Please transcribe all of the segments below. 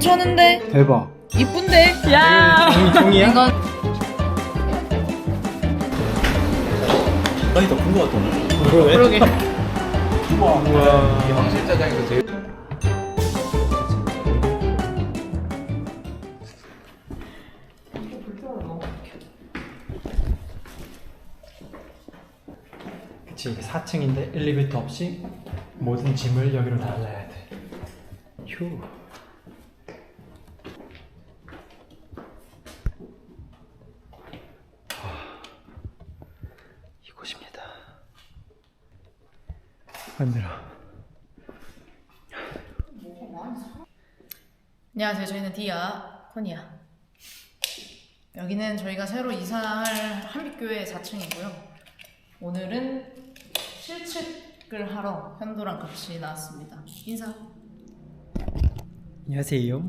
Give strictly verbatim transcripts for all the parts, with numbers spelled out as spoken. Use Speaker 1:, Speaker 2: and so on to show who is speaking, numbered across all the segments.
Speaker 1: 괜찮은데?
Speaker 2: 대박.
Speaker 1: 이쁜데? 야.
Speaker 2: 종이, 종이야?
Speaker 1: 이건
Speaker 3: 많이 더 큰 거 같던데.
Speaker 2: 그러네.
Speaker 1: 그러게.
Speaker 2: 우와. 우와.
Speaker 3: 이게 황실 짜장에서 제일
Speaker 2: 그치, 이게 사 층인데 엘리베이터 없이 모든 짐을 여기로 날라야 돼. 휴. 아, 이곳입니다. 힘들어.
Speaker 1: 안녕하세요. 저희는 디아, 코니아. 여기는 저희가 새로 이사할 한빛교회 사 층이고요. 오늘은 실측을 하러 현도랑 같이 나왔습니다. 인사.
Speaker 2: 안녕하세요.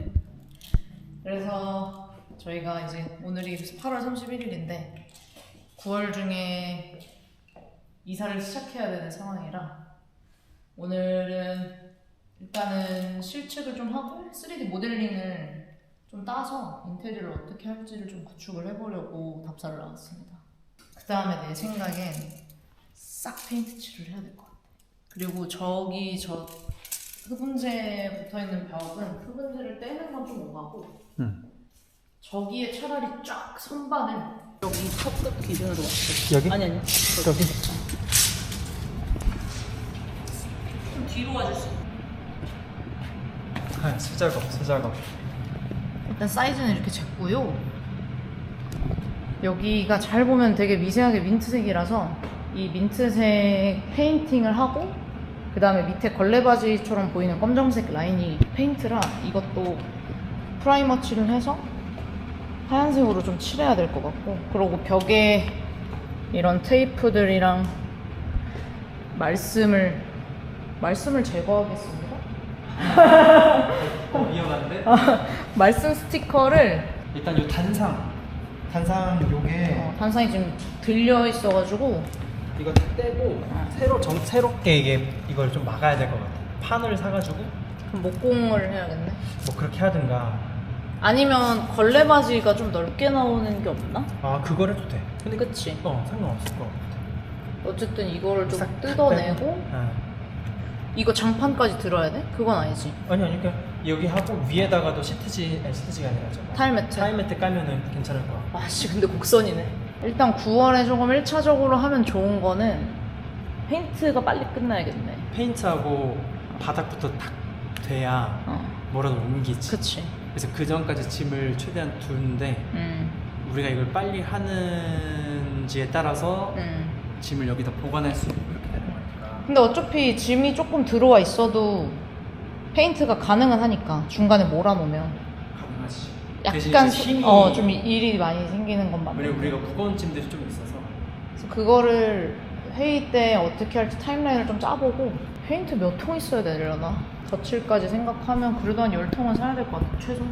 Speaker 1: 그래서 저희가 이제 오늘이 팔월 삼십일일인데 구월 중에 이사를 시작해야 되는 상황이라 오늘은 일단은 실측을 좀 하고 쓰리디 모델링을 좀 따서 인테리어를 어떻게 할지를 좀 구축을 해보려고 답사를 나왔습니다. 그 다음에 내 생각엔 싹 페인트 칠을 해야 될 것 같아. 그리고 저기 저 흡음재 붙어있는 벽은 흡음재를 떼는 건 좀 오가고
Speaker 2: 응.
Speaker 1: 저기에 차라리 쫙 선반을 여기 컵끝 기준으로 왔어.
Speaker 2: 여기?
Speaker 1: 아니 아니
Speaker 2: 여기?
Speaker 1: 좀 뒤로 와줄 수 있어.
Speaker 2: 아, 수작업, 수작업.
Speaker 1: 일단 사이즈는 이렇게 작고요. 여기가 잘 보면 되게 미세하게 민트색이라서 이 민트색 페인팅을 하고 그 다음에 밑에 걸레바지처럼 보이는 검정색 라인이 페인트라 이것도 프라이머 칠을 해서 하얀색으로 좀 칠해야 될 것 같고, 그리고 벽에 이런 테이프들이랑 말씀을 말씀을 제거하겠습니다.
Speaker 2: 어, 위험한데?
Speaker 1: 말씀 스티커를
Speaker 2: 일단 요 단상. 단상 요게
Speaker 1: 어, 단상이 지금 들려 있어가지고
Speaker 2: 이거 다 떼고 새로 정, 새롭게 이게 이걸 좀 막아야 될 것 같아. 판을 사가지고
Speaker 1: 그럼 목공을 해야겠네.
Speaker 2: 뭐 그렇게 하든가.
Speaker 1: 아니면 걸레바지가 좀 넓게 나오는 게 없나?
Speaker 2: 아, 그걸 해도 돼. 근데
Speaker 1: 그치?
Speaker 2: 어, 상관없을 것 같아.
Speaker 1: 어쨌든 이거를 좀
Speaker 2: 싹
Speaker 1: 뜯어내고
Speaker 2: 아.
Speaker 1: 이거 장판까지 들어야 돼? 그건 아니지.
Speaker 2: 아니 아니 그러니까 여기 하고 위에다가도 시트지 아니 시트지가 아니라 저거
Speaker 1: 타일매트.
Speaker 2: 타일매트 깔면은 괜찮을 거야.
Speaker 1: 아씨 근데 곡선이네. 일단 구월에 조금 일 차적으로 하면 좋은 거는 페인트가 빨리 끝나야겠네.
Speaker 2: 페인트하고 바닥부터 딱 돼야
Speaker 1: 어.
Speaker 2: 뭐라도 옮기지.
Speaker 1: 그치.
Speaker 2: 그래서 그 전까지 짐을 최대한 두는데
Speaker 1: 음.
Speaker 2: 우리가 이걸 빨리 하는지에 따라서
Speaker 1: 음.
Speaker 2: 짐을 여기다 보관할 수 있고 이렇게 되는 거니까.
Speaker 1: 근데 어차피 짐이 조금 들어와 있어도 페인트가 가능은 하니까 중간에 몰아놓으면
Speaker 2: 가능하지.
Speaker 1: 약간
Speaker 2: 힘이
Speaker 1: 어 좀 일이 많이 생기는 건 맞는.
Speaker 2: 왜냐면 우리가 무거운 짐들이 좀 있어서.
Speaker 1: 그래서 그거를 회의 때 어떻게 할지 타임라인을 좀 짜보고 페인트 몇 통 있어야 되려나? 덧칠까지 생각하면 그래도 한 열 통은 사야 될 것 같아, 최소.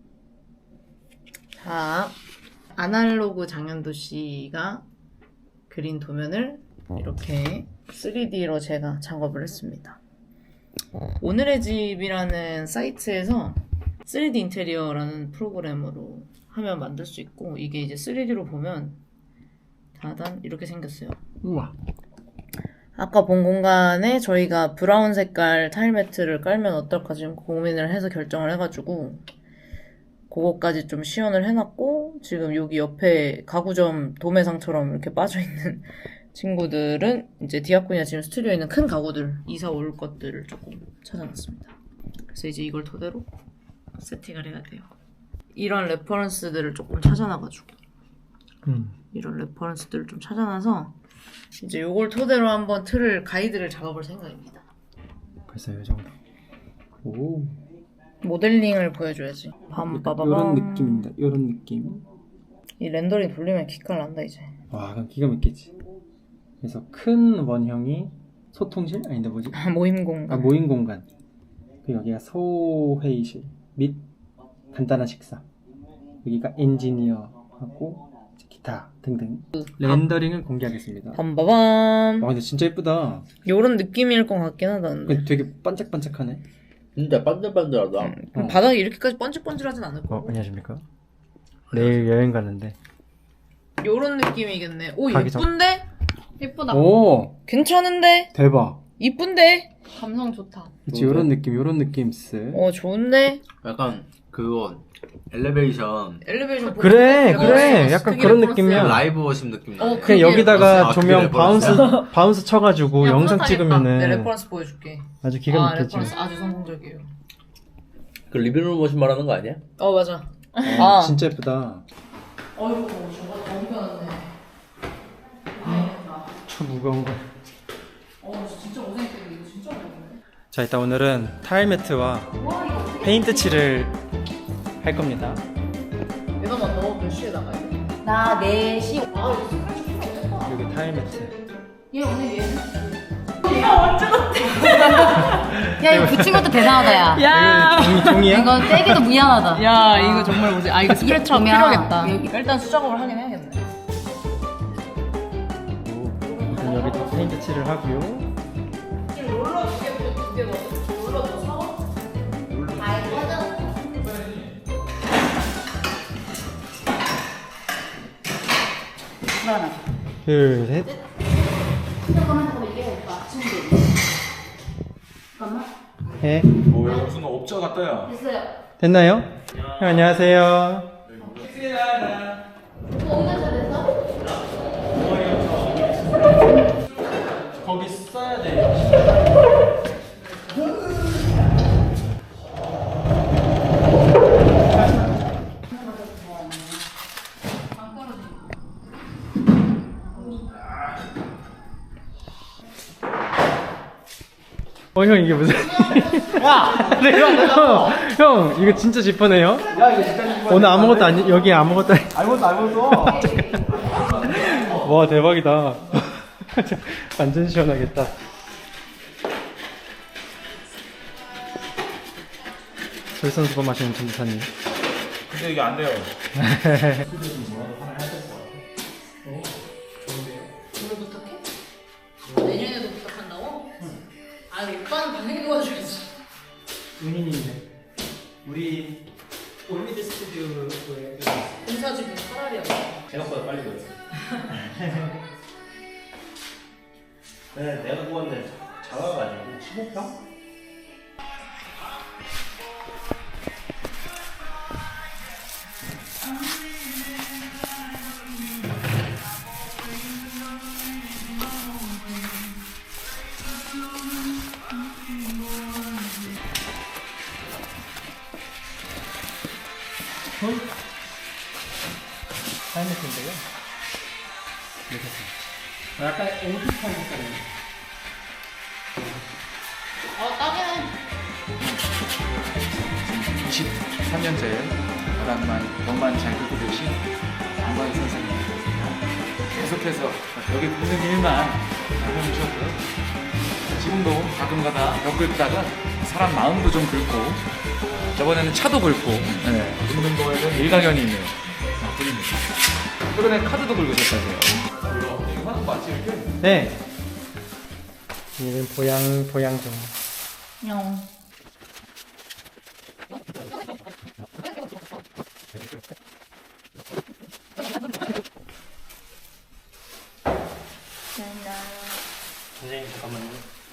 Speaker 1: 자, 아날로그 장현도 씨가 그린 도면을 이렇게 쓰리디로 제가 작업을 했습니다. 오늘의 집이라는 사이트에서 쓰리디 인테리어라는 프로그램으로 하면 만들 수 있고, 이게 이제 쓰리디로 보면 다단 이렇게 생겼어요.
Speaker 2: 우와.
Speaker 1: 아까 본 공간에 저희가 브라운 색깔 타일 매트를 깔면 어떨까 지금 고민을 해서 결정을 해가지고 그거까지 좀 시연을 해놨고, 지금 여기 옆에 가구점 도매상처럼 이렇게 빠져있는 친구들은 이제 디아코니아 지금 스튜디오에 있는 큰 가구들, 이사 올 것들을 조금 찾아놨습니다. 그래서 이제 이걸 토대로 세팅을 해야 돼요. 이런 레퍼런스들을 조금 찾아놔가지고
Speaker 2: 음.
Speaker 1: 이런 레퍼런스들을 좀 찾아놔서 이제 요걸 토대로 한번 틀을 가이드를 작업할 생각입니다.
Speaker 2: 벌써 이 정도. 오.
Speaker 1: 모델링을 보여줘야지. 밤빠바밤.
Speaker 2: 이런 느낌입니다. 이런 느낌.
Speaker 1: 이 렌더링 돌리면 기깔 난다 이제.
Speaker 2: 와, 그럼 기가 막히지. 그래서 큰 원형이 소통실? 아닌데 뭐지?
Speaker 1: 모임 공간.
Speaker 2: 아, 모임 공간. 그리고 여기가 소회의실 및 간단한 식사. 여기가 엔지니어하고 기타 등등. 렌더링을 공개하겠습니다.
Speaker 1: 밤빠밤.
Speaker 2: 와, 근데 진짜 예쁘다.
Speaker 1: 요런 느낌일 것 같긴 하다 근데.
Speaker 2: 근데 되게 반짝반짝하네.
Speaker 3: 진짜 반들반들하다.
Speaker 2: 어.
Speaker 1: 바닥이 이렇게까지 번질번질하진 않을
Speaker 2: 어,
Speaker 1: 거고.
Speaker 2: 안녕하십니까? 내일 여행 가는데.
Speaker 1: 요런 느낌이겠네. 오
Speaker 2: 가기 전-
Speaker 1: 예쁜데? 예쁘다.
Speaker 2: 오,
Speaker 1: 괜찮은데?
Speaker 2: 대박.
Speaker 1: 이쁜데? 감성 좋다.
Speaker 2: 그치, 요런 느낌, 요런 느낌 쓰.
Speaker 1: 어 좋은데?
Speaker 3: 약간 그거 엘리베이션
Speaker 1: 엘리베이션 보고
Speaker 2: 그래,
Speaker 1: 싶어.
Speaker 2: 그래.
Speaker 1: 어,
Speaker 2: 약간
Speaker 1: 되게
Speaker 2: 그런
Speaker 1: 레퍼런스야.
Speaker 2: 느낌이야.
Speaker 3: 라이브 워십 느낌 나네.
Speaker 1: 어,
Speaker 2: 그냥
Speaker 1: 그게
Speaker 2: 여기다가
Speaker 3: 아,
Speaker 2: 조명
Speaker 3: 그게
Speaker 2: 바운스
Speaker 3: 레퍼런스야?
Speaker 2: 바운스 쳐가지고
Speaker 1: 야,
Speaker 2: 영상
Speaker 1: 뿌듯하겠다.
Speaker 2: 찍으면은
Speaker 1: 네, 레퍼런스 보여줄게.
Speaker 2: 아주 기가
Speaker 1: 아
Speaker 2: 막히지.
Speaker 1: 레퍼런스 아주 성공적이에요.
Speaker 3: 그 리빙룸 워십 말하는 거 아니야?
Speaker 1: 어 맞아.
Speaker 2: 아,
Speaker 1: 아.
Speaker 2: 진짜 예쁘다.
Speaker 1: 어이구 저거 너무 편하네. 아,
Speaker 2: 저 무거운 거.
Speaker 1: 어 진짜 고생했겠네. 이거 진짜 어렵네.
Speaker 2: 자, 일단 오늘은 타일 매트와 페인트 칠을 할 겁니다.
Speaker 1: 얘나만 너 몇 시에 나가야 돼?
Speaker 4: 나 네 시.
Speaker 1: 아 이거 스크래치 필요 없겠다.
Speaker 2: 여기 타일 매트.
Speaker 1: 얘 오늘 얘.
Speaker 4: 야 이거 붙인 것도 대단하다 야.
Speaker 1: 야.
Speaker 2: 이거 종이, 종이야?
Speaker 4: 이거 떼기도 미안하다.
Speaker 1: 야 이거 정말 뭐지? 아 이거 스크래치
Speaker 4: 그러면
Speaker 1: 필요하겠다.
Speaker 4: 여기-
Speaker 1: 일단 수작업을 하긴 해야겠네.
Speaker 2: 일단 여기 또 페인트 칠을 하고요.
Speaker 1: 지금 롤러 두 개, 두 개거든. 롤러 더 사와?
Speaker 4: 불안하다.
Speaker 2: 둘, 셋.
Speaker 4: 잠깐만.
Speaker 2: 해.
Speaker 5: 뭐야 무슨 업자 같다야.
Speaker 4: 됐어요.
Speaker 2: 됐나요? 형, 안녕하세요.
Speaker 4: 옹면서 됐어?
Speaker 2: 거기 써야 돼. 어, 형 이게 무슨? 야, 네, 형, 형, 형, 이거 진짜 지퍼네요. 야, 이거 진짜 지퍼. 오늘 아무것도 아니, 여기 아무것도 아니.
Speaker 5: 아무것도 아무것도.
Speaker 2: 와, 대박이다. 완전 시원하겠다. 솔선수범 하시는 전도사님.
Speaker 5: 근데 이게 안 돼요.
Speaker 1: 내년에도 부탁한다고? 아 오빠는 반응이 도와줘야지.
Speaker 2: 은인인데. 우리 올미드 스튜디오에
Speaker 1: 공사집은 차라리
Speaker 5: 생각보다 빨리 됐어. 네, 내가 구웠는데 작아가지고 십오 평?
Speaker 2: 타임매트인데요. 약간 앵티타임 색깔이에요.
Speaker 1: 어 딱이네.
Speaker 6: 이십삼 년째 바닥만 벽만 잘 긁고 계신 안광희 선생님 계속해서 여기 긁는 일만 해주셨고요. 지금도 가끔가다 벽 긁다가 사람 마음도 좀 긁고 저번에는 차도 긁고 네, 긁는 거에는 일가견이 있는 분입니다. 최근에 카드도 긁으셨다고요. 이거 하는 거 맞지 이렇게?
Speaker 2: 네. 이는 보양 보양종.
Speaker 1: 영.
Speaker 2: 선생님 잠깐만요. 어.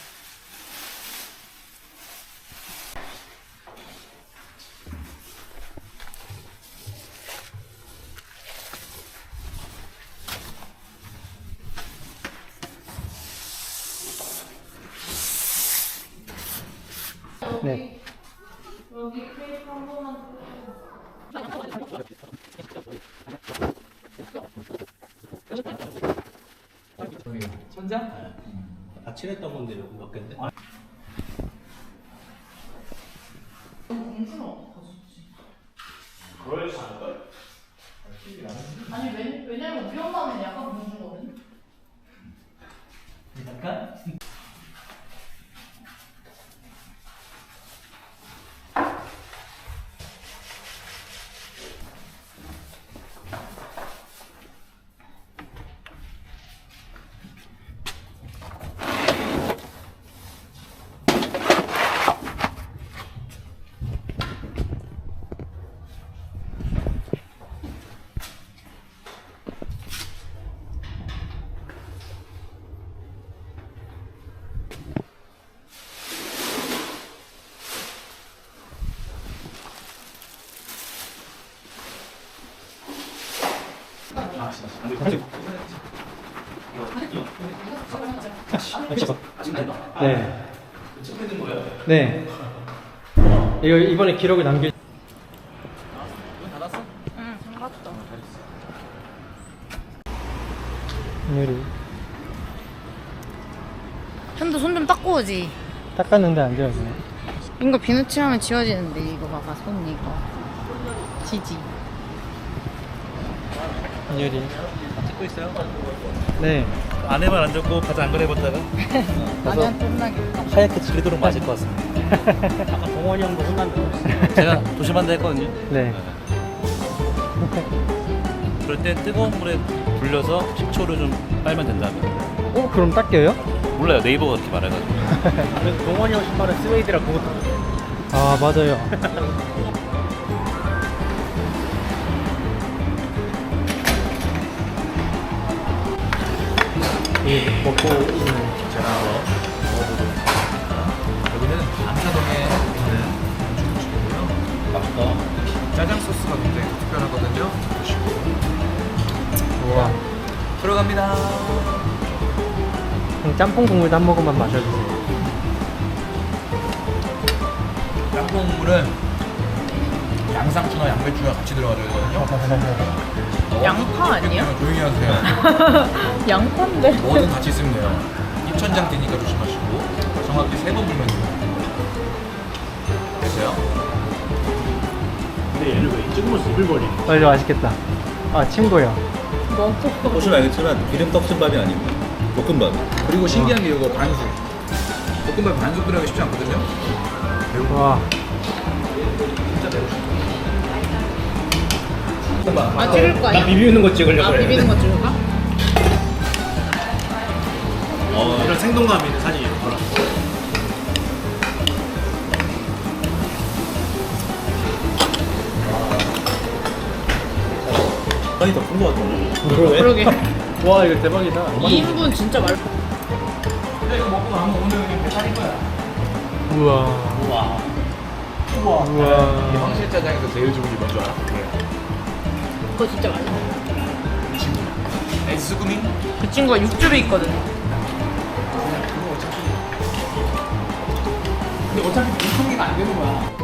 Speaker 2: 네.
Speaker 1: 여기 크레이프 한 번만.
Speaker 6: 천장?
Speaker 3: 다 칠했던 건데 몇 개인데?
Speaker 1: 공주는 어떡하지?
Speaker 5: 그럴 수 않을까?
Speaker 1: 아니 왜, 왜냐면 우리 엄마는 약간 공주거든.
Speaker 2: 잠깐.
Speaker 6: 아 진짜.
Speaker 2: 네. 네. 이거 이번에 기록을 남길.
Speaker 1: 응, 상관없다.
Speaker 2: 오늘이
Speaker 1: 현도 손 좀 닦고 오지.
Speaker 2: 닦았는데 안 지워지네.
Speaker 1: 이거 비누칠하면 지워지는데 이거 봐봐 손 이거. 지지.
Speaker 2: 윤열이.
Speaker 3: 찍고 있어요?
Speaker 2: 네.
Speaker 3: 안에만 앉았고 바지 안 그래봤다가
Speaker 1: 아니한테 혼나겠다.
Speaker 3: 하얗게 질리도록 맞을 것 같습니다.
Speaker 5: 아까 동원이 형도 혼난다.
Speaker 3: 제가 조심한다 했거든요.
Speaker 2: 네.
Speaker 3: 그럴 때 뜨거운 물에 불려서 식초를 좀 빨면 된다면.
Speaker 2: 어 그럼 닦여요?
Speaker 3: 몰라요. 네이버가 그렇게 말해가지고.
Speaker 5: 나는 동원이 형 신발은 스웨이드라 그것도
Speaker 2: 아 맞아요.
Speaker 5: 이 먹고 있는 제가 먹어보도록.
Speaker 6: 여기는 암사동에 있는 중국집이고요.
Speaker 5: 맛있다.
Speaker 6: 짜장 소스가 굉장히 특별하거든요. 드시고.
Speaker 2: 우와.
Speaker 6: 들어갑니다.
Speaker 2: 그럼 짬뽕 국물도 한 모금만 마셔주세요.
Speaker 6: 짬뽕 국물은 양상추나 양배추가 같이 들어가야 되거든요.
Speaker 1: 양파 아니야?
Speaker 6: 조용히 하세요.
Speaker 1: 양파인데.
Speaker 6: 뭐든 같이 있으면 돼요. 입천장 되니까 조심하시고 정확히 세 번 불면 돼요. 됐어요?
Speaker 5: 근데 얘는 왜 찍으면서 입을 벌리는 거야?
Speaker 2: 어 이거 맛있겠다. 아 친구요.
Speaker 3: 보시면 알겠지만 기름떡순밥이 아니고 볶음밥.
Speaker 6: 그리고 신기한 게 이거 반숙. 볶음밥 반숙 들어가기 쉽지 않거든요.
Speaker 2: 와.
Speaker 1: 아 찍을 거 아니야?
Speaker 5: 나 비비는 거 찍으려고
Speaker 1: 아
Speaker 5: 그래.
Speaker 1: 비비는 거 찍을까?
Speaker 5: 어, 이런 생동감 있는 사진이 있더라.
Speaker 3: 아니 더 큰 거 같던데.
Speaker 1: 그러게.
Speaker 2: 와 이거 대박이다.
Speaker 1: 이 인분 진짜 말.
Speaker 6: 근데 이거 먹고 나면 오늘 그냥 배탈인 거야.
Speaker 2: 우와.
Speaker 5: 우와.
Speaker 6: 이
Speaker 2: 우와.
Speaker 6: 황실 짜장에서 제일 좋은 게 뭔지 알아?
Speaker 1: 그거 진짜 맛있어.
Speaker 6: 이 친구. 에스구민?
Speaker 1: 그 친구가 육즙이 있거든.
Speaker 6: 근데 어차피 물통기가 안 되는 거야.